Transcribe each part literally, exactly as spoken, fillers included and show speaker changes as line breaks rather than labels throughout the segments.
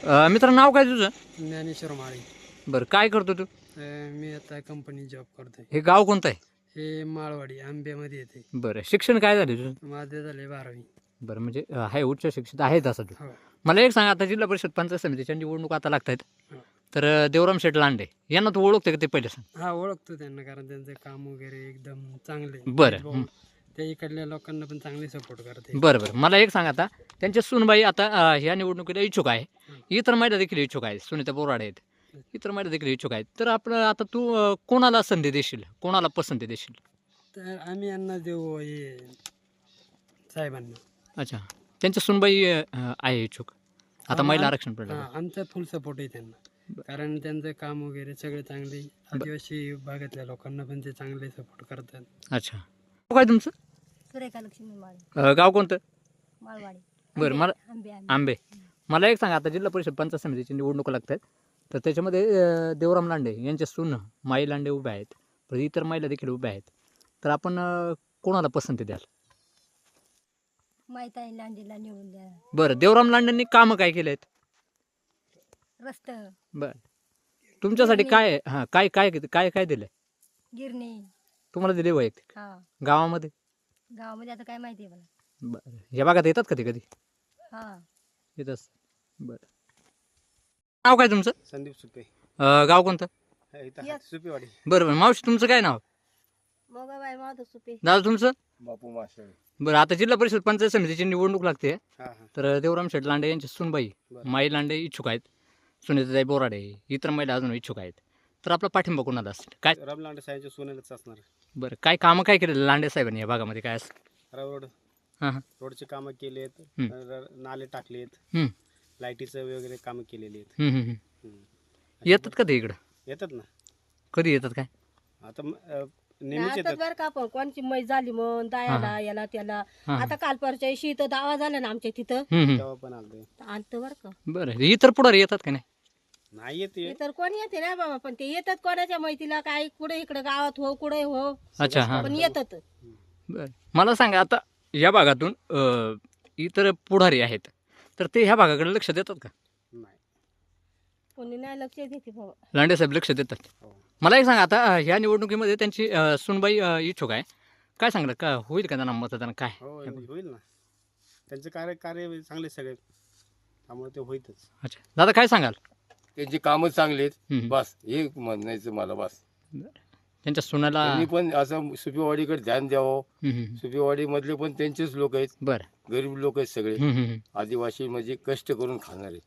अ, मित्र नाव काय तुझं?
ज्ञानेश्वर माळी.
बरं, काय करतो तू?
अ, मी आता कंपनी जॉब करतोय.
हे गाव कोणतं आहे?
हे माळवाडी आंब्यामध्ये येते.
बरं, शिक्षण काय झालं तुझं?
माझे झाले बारावी.
बरं, म्हणजे अ, आहे उच्च शिक्षित आहे तसं तू.
हो.
मला एक सांग, आता जिल्हा परिषद पंचायत समितीच्या निवडणूक आता लागत आहेत,
हो.
तर अ, देवराम शेठ लांडे यांना तू ओळखते का ते पहिले सांग?
हा, ओळखतो त्यांना, कारण त्यांचं काम वगैरे एकदम चांगले.
बरं.
भाऊ, ते इकडल्या लोकांना पण चांगले सपोर्ट करते.
बरं बरं, मला एक सांग, आता त्यांच्या सुनबाई आता अ, ह्या निवडणुकीला इच्छुक आहे, इतर महिला देखील इच्छुक आहेत, सुनीता बोराडे आहेत, इतर महिला देखील इच्छुक आहेत. तर आपलं आता तू अ, कोणाला संधी देशील, कोणाला पसंती देशील?
तर आम्ही यांना देऊ, हे साहेबांना.
अच्छा, त्यांच्या सुनबाई अ, आहे इच्छुक, आता
आम-
महिला
आम-
आरक्षण पडलं.
हा, आमचा फुल सपोर्ट आहे त्यांना, कारण त्यांचं काम वगैरे सगळे चांगले. आदिवासी भागातल्या लोकांना पण ते चांगले सपोर्ट करतात.
अच्छा, नाव काय तुमचं?
सुरेखा लक्ष्मी माळी,
अ, गाव कोणतं?
माळवाडी.
बरं, मला
आंबे आंबे
आंबे. मला एक सांगा, आता जिल्हा परिषद पंचायत समितीची निवडणुका लागत आहेत, तर त्याच्यामध्ये अ, देवराम लांडे यांच्या सून माई लांडे उभ्या आहेत, तर इतर महिला देखील उभ्या आहेत, तर आपण अ, कोणाला पसंती द्याल?
माहीत आहे लांडीला निवडून द्या.
बरं, देवराम लांडेंनी कामं काय केले आहेत?
रस्त,
बरं, तुमच्यासाठी काय आहे? हां, काय काय काय काय दिलं आहे
गिरणी.
तुम्हाला, दिले वैयक्तिक
हा,
गावामध्ये?
गावामध्ये आता काय माहिती आहे मला.
बरं, या भागात येतात कधी कधी
हा,
येतच. बरं, नाव काय तुमचं?
संदीप सुपे.
अ, गाव कोणतं?
सुपेवाडी.
बरं बरं, मावशी तुमचं काय नाव?
मोगाबाई माधव सुपे.
दादा तुमचं?
बापू माशाळे.
बरं, आता जिल्हा परिषद पंचायत समितीची निवडणूक लागते,
हा हा.
तर देवराम शेठ लांडे यांची सुनबाई
बरं.
माई लांडे इच्छुक आहेत, सुनीताताई बोराडे, इतर महिला अजून इच्छुक आहेत, तर आपला पाठिंबा कोणाला असेल? काय
राम लांडे साहेबांच्या सोन्यालाच असणार.
बरं, काय कामं काय केलेलं लांडे साहेबांनी या भागामध्ये, काय असेल?
रोड
हां हां.
रोडचे कामं केलेत,
हं.
र- नाले टाकलेत,
हं,
लाईटीचं वगैरे कामं केलेली आहेत.
हं, हं, हं.
हं.
येतात का ते इकडं?
येतात ना.
कधी येतात काय?
आता म- अ, नेहमीच येतात.
बरं का, पण कोणची मै झाली मग दायाला याला त्याला.
हां,
आता काल परच्या दिवशी इथं दावा झाला ना आमच्या तिथं,
हं, हं.
तेव्हा पण आलते.
आणतं बरं का.
बरं, इतर पुढारी येतात का नाही?
नाही येते.
हे तर कोणी येते ना बाबा, पण ते येतात कोणाच्या मैतीला, काय कुठे इकडे गावात हो कुठे हो,
अच्छा, हां.
पण येतात.
बरं, मला सांगा, आता या भागातून अ, इतर पुढारी आहेत, तर ते ह्या भागाकडे लक्ष देतात का?
नाही.
कोणी नाही लक्ष देते बाबा.
लांडे साहेब लक्ष देतात.
हो.
मला एक सांगा, आता अ, ह्या निवडणुकीमध्ये त्यांची अ, सुनबाई अ, इच्छुक आहे, काय सांगलं का होईल का त्यांना मतदान? काय
हो, होईल ना. त्यांचे कार्य कार्य चांगले सगळे, त्यामुळे ते होईतच.
अच्छा, दादा काय सांगाल?
त्यांची कामं चांगली आहेत,
हं.
बस हे म्हणायचं मला. बस
त्यांच्या सुनाला.
त्यांनी पण असं सुपीवाडीकडे ध्यान द्यावं.
हं, हं.
सुपीवाडी मधले पण त्यांचेच लोक आहेत,
बरं.
गरीब लोक आहेत सगळे,
हं, हं, हं.
आदिवासी म्हणजे कष्ट करून खाणारे.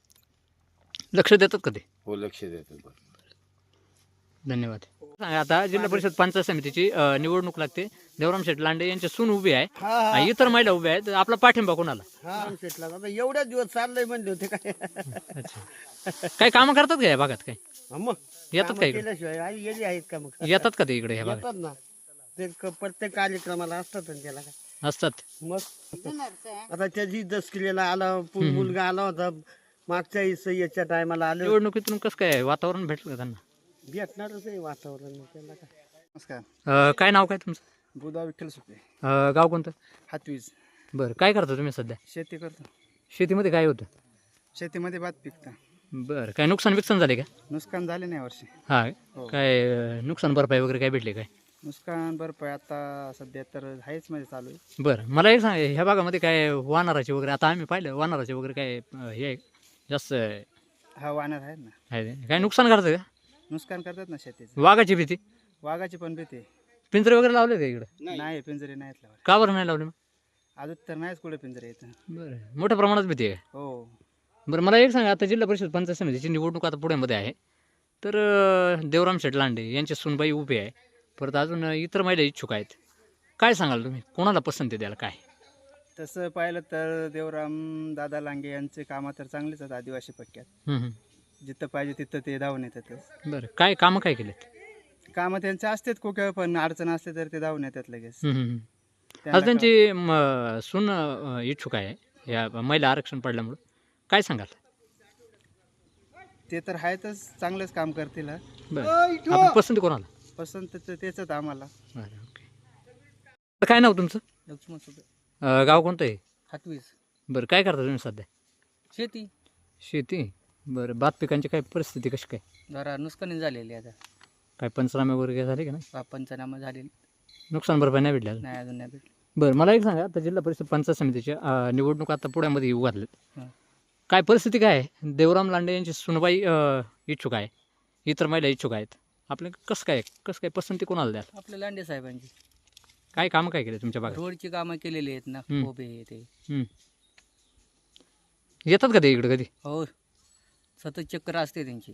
लक्ष देतात का ते?
हो, लक्ष देतात. बस.
धन्यवाद. सांगा, आता जिल्हा परिषद पंचायत समितीची अ, निवडणूक लागते, देवराम शेठ लांडे यांची सून उभी आहे आणि इतर महिला उभ्या आहेत, आपला पाठिंबा कोणाला?
आता एवढ्याच दिवस चाललंय म्हणले होते काय.
अच्छा, काय कामं करतात का या भागात? काय
मग
येतात का इकडे?
केल्याशिवाय आई गेली आहेत का मग?
येतात का ते इकडे ह्या भागात?
येतात ना. ते क- प्रत्येक कार्यक्रमाला असतात ना त्याला काय.
असतात.
मग आता त्याची दसकिलेला आला, पु- मुलगा आला होता मागच्या इस- याच्या टायमाला आले.
निवडणुकीतून कसं काय वातावरण भेटलं का त्यांना?
भेटणारच आहे वातावरण त्याला काय. नमस्कार.
अ, काय नाव काय तुमचं?
बुधा विठ्ठल सुपे.
अ, गाव कोणतं?
हातवीज.
बरं, काय करता तुम्ही सध्या?
शेती करतो.
शेतीमध्ये काय होतं?
शेतीमध्ये भात पिकतं.
बरं, काय नुकसान विकसान झाले का?
नुकसान झाले नाही वर्षी.
हा,
हो.
काय अ, नुकसान भरपाई वगैरे काय भेटले काय?
नुकसान भरपाई आता सध्या तर आहेच म्हणजे चालू आहे.
बरं, मला एक सांग, ह्या भागामध्ये काय वानराचे वगैरे, आता आम्ही पाहिलं वानराचे वगैरे काय अ, हे आहे, जास्त आहे
हा, वानर आहेत ना.
ते. काय नुकसान करतं का?
नुकसान करतात ना शेतीचं.
वाघाची भीती?
वाघाची पण भीती आहे.
पिंजरे वगैरे लावले का इकडे?
नाही, पिंजरे नाहीत लावले.
का बरं नाही लावले मग?
अजून तर नाहीच कुठे पिंजरे येतं.
बरं, मोठ्या प्रमाणात भीती आहे का?
हो.
बरं, मला एक सांगा, आता जिल्हा परिषद पंचायत समितीची निवडणूक आता पुण्यामध्ये आहे, तर अ, देवराम शेठ लांडे यांची सुनबाई उभी आहे, परत अजून इतर महिला इच्छुक आहेत, काय सांगाल तुम्ही कोणाला पसंती द्याल? काय
तसं पाहिलं तर देवराम दादा लांगे यांचे कामं तर चांगलेच आहेत आदिवासी पट्ट्यात.
हं, हं.
जिथं पाहिजे तिथं ते धावून येतातच.
बरं, काय कामं काय केलेत?
कामं त्यांचे असतात कुठं, पण अडचण असते तर ते धावून येतात लगेच.
हं, हं, हं.
त्यांना
आज त्यांची म, सून अ, इच्छुक आहे या महिला आरक्षण पडल्यामुळं, काय सांगाल?
ते तर आहेतच, चांगलंच काम करतील. हा.
बरं, आपली पसंती कोणाला?
पसंत तर तेच आम्हाला.
बरं, ओके. तर काय नाव तुमचं?
लक्ष्मण सुपे.
अ, गाव कोणतं आहे?
हातवीज.
बरं, काय करता तुम्ही सध्या?
शेती.
शेती बरं, भात पिकांची काय परिस्थिती कशी काय?
जरा नुकसानी झालेली आता.
काय पंचनामे वगैरे काय झाले का नाही?
पा- पंचनामा झालेली
नुकसान भरपाई नाही भेटली अजून?
नाही, अजून नाही भेटली.
बरं, मला एक सांगा, आता जिल्हा परिषद पंचायत समितीच्या अं, निवडणूक आता पुण्यामध्ये येऊ घातल्यात.
हां.
काय परिस्थिती काय आहे? देवराम लांडे यांची सुनबाई अं, इच्छुक आहे, इतर महिला इच्छुक आहेत. आपलं कसं काय कसं काय पसंती कोणाला द्याल?
आपल्या लांडे साहेबांची
काय कामं काय केले तुमच्या भागात?
रोडची कामं केलेली आहेत ना,
हम्म.
उभे हे ते.
हं. येतात का ते इकडं कधी?
हो, सतत चक्कर असते त्यांची.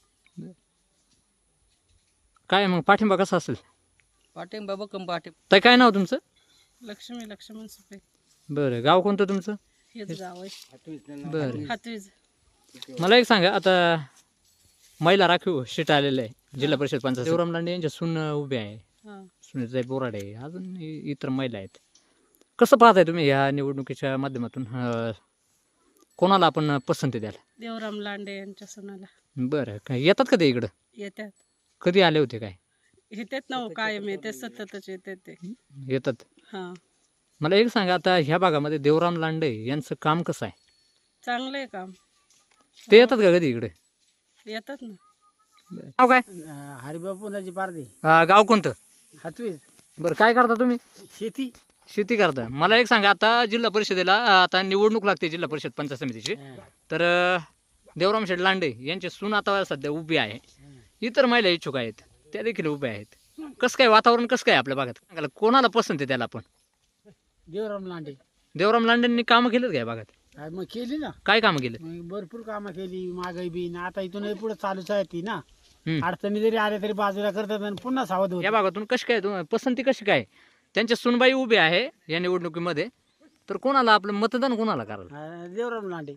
काय मग पाठिंबा कसा असेल?
पाठिंबा बकम पाठी.
तर काय नाव तुमचं?
लक्ष्मी लक्ष्मण सुपे
बरं, गाव कोणतं तुमचं?
हेच गाव आहे.
बरं,
हातवीज. मला
मला एक सांगा, आता महिला राखीव सीट आलेलं आहे जिल्हा परिषद पंचायत. देवराम लांडे यांच्या सून उभे आहे,
हा.
सुनीताई बोराडे आहे, अजून इ- इतर महिला आहेत. कसं पाहताय तुम्ही या निवडणुकीच्या माध्यमातून? अं, कोणाला आपण पसंती द्याल?
देवराम लांडे यांच्या सुनाला
बरं, काय येतात का ते इकडं?
येतात.
कधी आले होते काय?
येतात ना हो, कायम येते, सततच येतात ते.
येतात.
हा,
मला एक सांगा, आता ह्या भागामध्ये देवराम लांडे यांचं काम कसं आहे?
चांगलं आहे काम.
ते येतात का कधी इकडे?
येतात ना.
गाव काय?
हरिबापुनाची पारदी
अं, गाव कोणतं?
हातवीज
बरं, काय करता तुम्ही?
शेती.
शेती करता. मला एक सांगा, आता जिल्हा परिषदेला अं, आता निवडणूक लागते जिल्हा परिषद पंचायत समितीची. तर अं, देवराम शेठ लांडे यांची सून आता सध्या उभी आहे, इतर महिला इच्छुक आहेत, त्या देखील उभ्या आहेत. कसं काय वातावरण कसं काय आपल्या भागात? सांगायला कोणाला पसंत आहे त्याला आपण?
देवराम लांडे
देवराम लांडेंनी कामं केलेत का या भागात?
काय मग केली ना,
काय कामं केले?
मग भरपूर कामं केली. मागाई बी ना आता इथून पुढे चालूच आहे ती ना.
हम्म.
अडचणी जरी आल्या तरी बाजूला करतात आणि पुन्हा सावध
या
होत.
भागातून कशी काय तुम- पसंती कशी काय? त्यांच्या सुनबाई उभे आहे या निवडणुकीमध्ये, तर कोणाला आपलं मतदान कोणाला कराल?
देवराम लांडे.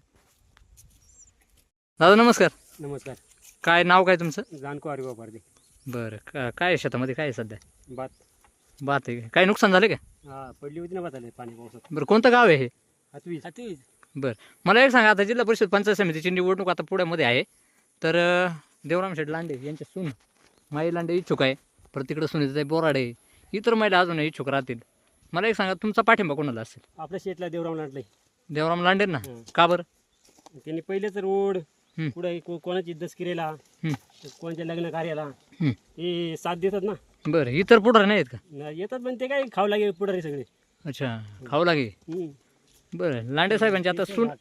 दादा नमस्कार.
नमस्कार.
काय नाव काय तुमचं?
जानको हरिबा पारदी.
बरं, का- काय आहे शेतामध्ये, काय आहे सध्या?
बात
बात आहे का? काय नुकसान झाले का?
हा पडली होती ना बात आले पाणी पावसात.
बरं, कोणतं गाव आहे हे?
हातवीज. हातवीज.
बरं, मला एक सांगा, आता जिल्हा परिषद पंचायत समितीची निवडणूक आता पुण्यामध्ये आहे, तर अं, देवराम शेठ लांडे यांच्या सून माई लांडे इच्छुक आहे, परत तिकडं सुनीताई बोराडे, इतर महिला अजून इच्छुक राहतील. मला एक सांगा, तुमचा पाठिंबा कोणाला असेल?
आपल्या शेतला देवराम लांडले.
देवराम लांडे ना?
हं.
का बरं?
त्यांनी पहिलेच रोड
हं.
पुढे कोणाची दसकिरेला,
हं.
कोणाच्या लग्न कार्याला
हं.
ते साथ देतात ना.
बरं, इतर पुढारी नाही आहेत का?
न- येतात पण ते काय खाऊ लागे पुढारी सगळे.
अच्छा, खाऊ लागे.
हं.
बरं, लांडे साहेबांची आता सून,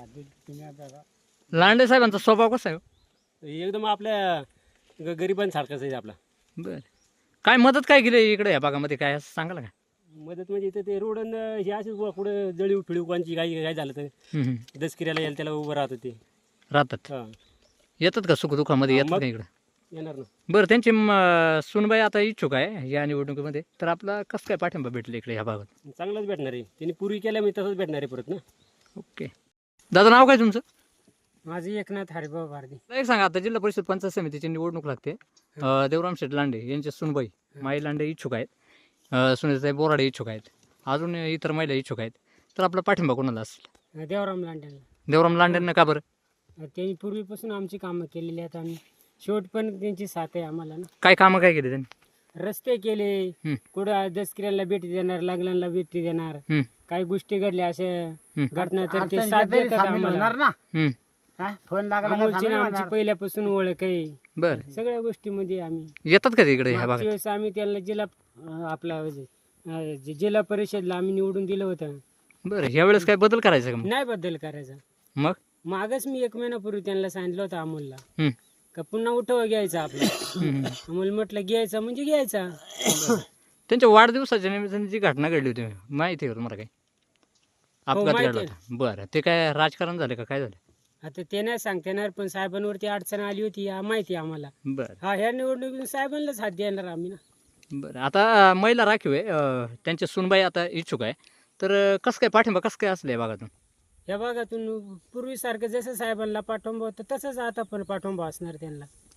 लांडे साहेबांचा स्वभाव कसा आहे हो?
एकदम आपल्या ग- गरिबांसारखाच आहे आपला.
बरं, काय मदत काय केली इकडे या भागामध्ये, काय असं सांगाल का?
मदत म्हणजे इथं ते रोड अन हे असे पुढे जळीव फिळीव कोणची काही काय झालं तर
हं, हं.
दसकिऱ्याला यायला त्याला उभं राहत होते.
राहतात.
हा
येतात का सुखदुःखामध्ये,
हा,
येतात
मग.
का इकडं?
येणार ना.
बरं, त्यांची म, सुनबाई आता इच्छुक आहे या निवडणुकीमध्ये, तर आपला कसं काय पाठिंबा भेटला इकडे ह्या भागात?
चांगलंच भेटणार आहे. त्यांनी पूर्वी केल्या मी तसंच भेटणार आहे परत ना.
ओके. दादा नाव काय तुमचं?
माझी एकनाथ हरिभाऊ भारती.
मला एक सांगा, आता जिल्हा परिषद पंचायत समितीची निवडणूक लागते, अं, देवराम शेठ लांडे यांचे सुनबाई माई लांडे इच्छुक आहेत, अं, सुनीताई बोराडे इच्छुक आहेत, अजून इतर महिला इच्छुक आहेत, तर आपला पाठिंबा कोणाला असेल?
देवराम लांड्यांना.
देवराम लांडेंना का बरं?
त्यांनी पूर्वीपासून आमची कामं केलेली आहेत आणि शेवट पण त्यांची साथ आहे आम्हाला ना.
काय कामं काय केली त्यांनी?
रस्ते केले,
हं.
कुठं दसकिऱ्याला भेटी देणार, लग्नाला भेटी देणार,
हं,
काही गोष्टी घडल्या अशा
हं.
घटना तर ते साथ देतात आम्हाला.
हं.
अमोलची ना आमची पहिल्यापासून ओळख आहे.
बरं,
सगळ्या गोष्टीमध्ये आम्ही
येतात का ते इकडे ह्या
मागच्या
भागात?
वेळेस आम्ही त्याला जिल्हा अं, आपला म्हणजे, अं, जे जिल्हा परिषदला आम्ही निवडून दिलं होतं.
बरं, ह्या वेळेस काय बदल करायचा का मग?
नाही बदल करायचा.
मग
मागच मी एक महिन्यापूर्वी त्यांना सांगितलं होतं अमोलला
हं,
का पुन्हा उठवा घ्यायचा आपला.
हं, हं.
अमोल म्हटलं घ्यायचा म्हणजे घ्यायचा.
त्यांच्या वाढदिवसाच्या निमित्ताने जी घटना घडली होती माहिती आहे का तुम्हाला? काय अपघात
माहिती
घडला
आहे.
होता. बरं, ते काय राजकारण झालं का काय झालं?
आता ते नाही सांगता येणार पण साहेबांवरती अडचण आली होती या माहिती आहे आम्हाला.
बरं,
हा ह्या निवडणुकीत साहेबांनाच हात देणार आम्ही ना.
बरं. आता अं, महिला राखीव आहे, अं, त्यांच्या सुनबाई आता इच्छुक आहे, तर अं, कसं काय पाठिंबा कसं काय असलं या भागातून?
या भागातून पूर्वीसारखं जसं साहेबांना पाठिंबा होतं तसंच आता पण पाठिंबा असणार त्यांना.